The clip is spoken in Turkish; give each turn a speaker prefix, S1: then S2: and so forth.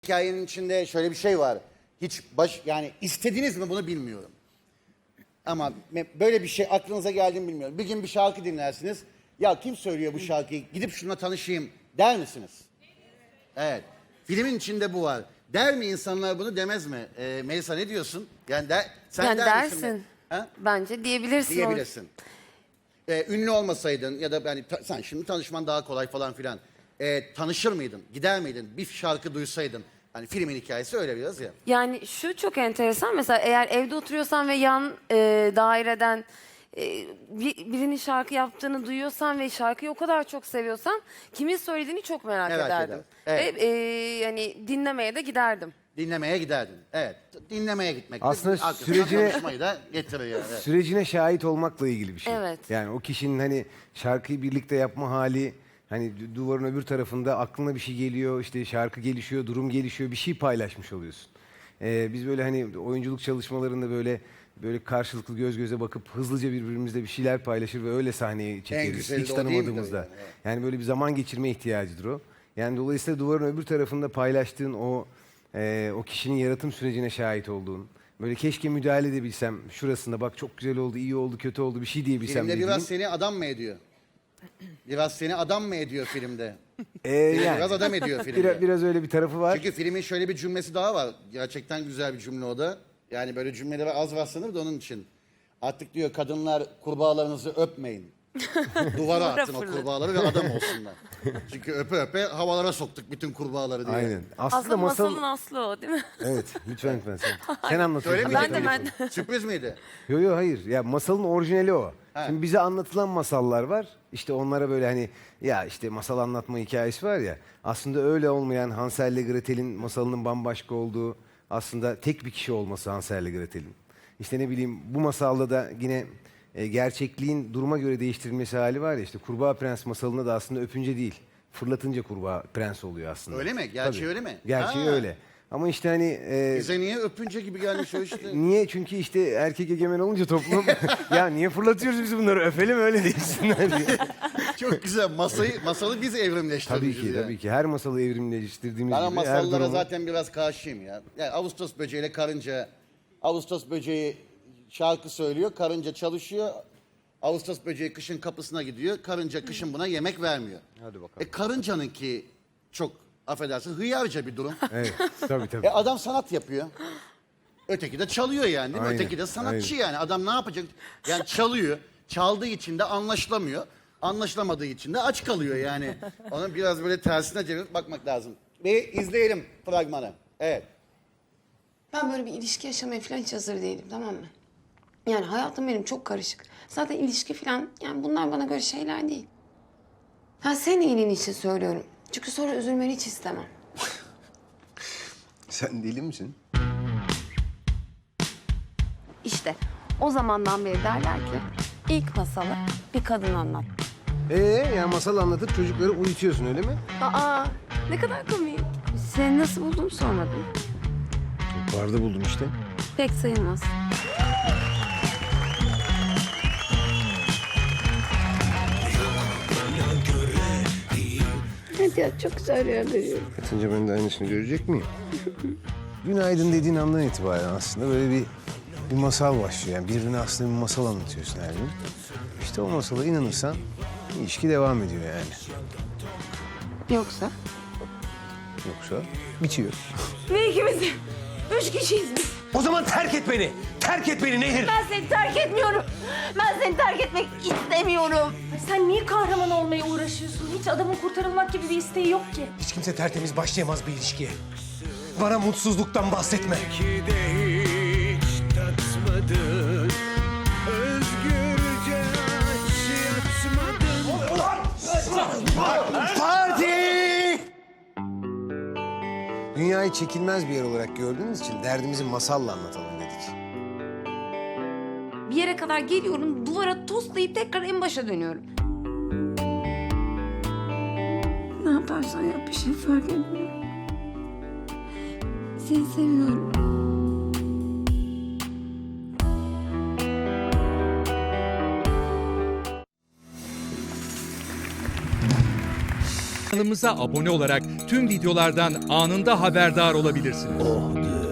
S1: Hikayenin içinde şöyle bir şey var. Hiç yani istediniz mi bunu bilmiyorum. Ama böyle bir şey aklınıza geldi mi bilmiyorum. Bir gün bir şarkı dinlersiniz. Ya kim söylüyor bu şarkıyı? Gidip şununla tanışayım der misiniz? Evet. Filmin içinde bu var. Der mi insanlar bunu, demez mi? Melisa ne diyorsun? Yani sen
S2: Yani
S1: der misin?
S2: dersin.
S1: Ha?
S2: Bence diyebilirsin.
S1: Diyebilirsin. Ünlü olmasaydın ya da yani sen şimdi tanışman daha kolay falan filan. Tanışır mıydın? Gider miydin? Bir şarkı duysaydın. Hani filmin hikayesi öyle biraz ya.
S2: Yani şu çok enteresan. Mesela eğer evde oturuyorsan ve yan daireden birinin şarkı yaptığını duyuyorsan ve şarkıyı o kadar çok seviyorsan kimin söylediğini çok merak ederdim.
S1: ederdim. Evet.
S2: Ve yani dinlemeye de giderdim.
S1: Dinlemeye giderdin. Evet. Dinlemeye gitmek.
S3: Aslında
S1: Arkasından tanışmayı da getiriyor. Evet.
S3: Sürecine şahit olmakla ilgili bir şey.
S2: Evet.
S3: Yani o kişinin hani şarkıyı birlikte yapma hali, hani duvarın öbür tarafında aklına bir şey geliyor, işte şarkı gelişiyor, durum gelişiyor, bir şey paylaşmış oluyorsun. Biz böyle hani oyunculuk çalışmalarında böyle karşılıklı göz göze bakıp hızlıca birbirimizle bir şeyler paylaşır ve öyle sahneye çekeriz.
S1: güzeli
S3: Hiç
S1: de o değil midir
S3: tanımadığımızda.
S1: yani? Evet.
S3: Yani böyle bir zaman geçirme ihtiyacıdır o. Yani dolayısıyla duvarın öbür tarafında paylaştığın o kişinin yaratım sürecine şahit olduğun, böyle keşke müdahale edebilsem, şurasında bak çok güzel oldu, iyi oldu, kötü oldu, bir şey diyebilsem
S1: Filmde
S3: dediğin.
S1: biraz seni adam mı ediyor? Biraz seni adam mı ediyor filmde?
S3: Yani
S1: Biraz adam ediyor filmde.
S3: biraz öyle bir tarafı var.
S1: Çünkü filmin şöyle bir cümlesi daha var. Gerçekten güzel bir cümle o da. Yani böyle cümleleri az rastlanır da onun için. Artık diyor kadınlar kurbağalarınızı öpmeyin. Duvara atın o kurbağaları ve adam olsunlar. Çünkü öpe öpe havalara soktuk bütün kurbağaları diye.
S3: Aynen.
S2: Aslında masalın aslı o değil mi?
S3: Evet, lütfen sen anlatıyorsun.
S1: Öyle mi?
S2: Ben de.
S1: Sürpriz miydi?
S3: Yok hayır. Ya masalın orijinali o.
S1: Ha.
S3: Şimdi bize anlatılan masallar var. İşte onlara böyle hani ya işte masal anlatma hikayesi var ya. Aslında öyle olmayan Hansel ile Gretel'in masalının bambaşka olduğu, aslında tek bir kişi olması Hansel ile Gretel'in. İşte ne bileyim bu masalda da yine gerçekliğin duruma göre değiştirilmesi hali var ya, işte Kurbağa Prens masalında da aslında öpünce değil, fırlatınca kurbağa prens oluyor aslında.
S1: Öyle mi? Gerçeği öyle mi?
S3: Gerçeği
S1: Ha.
S3: öyle. Ama işte hani
S1: Bize niye öpünce gibi gelmiş o işte?
S3: niye? Çünkü işte erkek egemen olunca toplum ya niye fırlatıyoruz biz bunları, öpelim öyle değilsinler diye.
S1: Çok güzel. Masalı biz evrimleştirmişiz.
S3: Tabii ki
S1: ya.
S3: tabii ki her masalı evrimleştirdiğimiz
S1: Ben o
S3: gibi her
S1: masallara
S3: durumu...
S1: zaten biraz karşıyım ya. Yani Ağustos böceğiyle karınca. Ağustos böceği şarkı söylüyor, karınca çalışıyor. Ağustos böceği kışın kapısına gidiyor. Karınca kışın buna yemek vermiyor.
S3: Hadi bakalım.
S1: Karıncanınki çok affedersin hıyarca bir durum.
S3: Evet tabii.
S1: Adam sanat yapıyor. Öteki de çalıyor yani değil mi?
S3: Aynen,
S1: Öteki de sanatçı
S3: aynen.
S1: yani. Adam ne yapacak? Yani çalıyor. Çaldığı için de anlaşılamıyor. Anlaşılamadığı için de aç kalıyor yani. Onun biraz böyle tersine çevirip bakmak lazım. Bir izleyelim fragmanı. Evet.
S4: Ben böyle bir ilişki yaşamaya falan hiç hazır değilim, tamam mı? Yani hayatım benim çok karışık. Zaten ilişki falan, yani bunlar bana göre şeyler değil. Ha, senin iyiliğin için söylüyorum. Çünkü sonra üzülmeni hiç istemem.
S5: Sen deli misin?
S2: İşte o zamandan beri derler ki ilk masalı bir kadın anlat.
S3: Ya masal anlatıp çocukları uyutuyorsun öyle mi?
S2: Aa, ne kadar komik. Seni nasıl buldum sormadım.
S3: Barda buldum işte.
S2: Pek sayılmaz. Hadi ya, çok güzel rüya görüyorum.
S3: Yatınca ben de aynısını görecek miyim? Günaydın dediğin andan itibaren aslında böyle bir masal başlıyor. Yani birbirine aslında bir masal anlatıyorsun her gün. İşte o masala inanırsan ilişki devam ediyor yani.
S2: Yoksa?
S3: Yoksa bitiyor.
S2: Ve ikimiz 3 kişiyiz biz.
S5: O zaman terk et beni. Terk et beni Nehir.
S2: Ben seni terk etmiyorum. Ben seni terk etmek istemiyorum.
S6: Sen niye kahraman olmaya uğraşıyorsun? Hiç adamın kurtarılmak gibi bir isteği yok ki.
S5: Hiç kimse tertemiz başlayamaz bir ilişkiye. Bana mutsuzluktan bahsetme.
S3: Parti! Dünyayı çekilmez bir yer olarak gördüğümüz için derdimizi masalla anlatalım dedik.
S2: Bir yere kadar geliyorum, duvara toslayıp tekrar en başa dönüyorum. Ne yaparsan yap bir şey fark etmiyor. Seni seviyorum.
S7: Kanalımıza abone olarak tüm videolardan anında haberdar olabilirsiniz.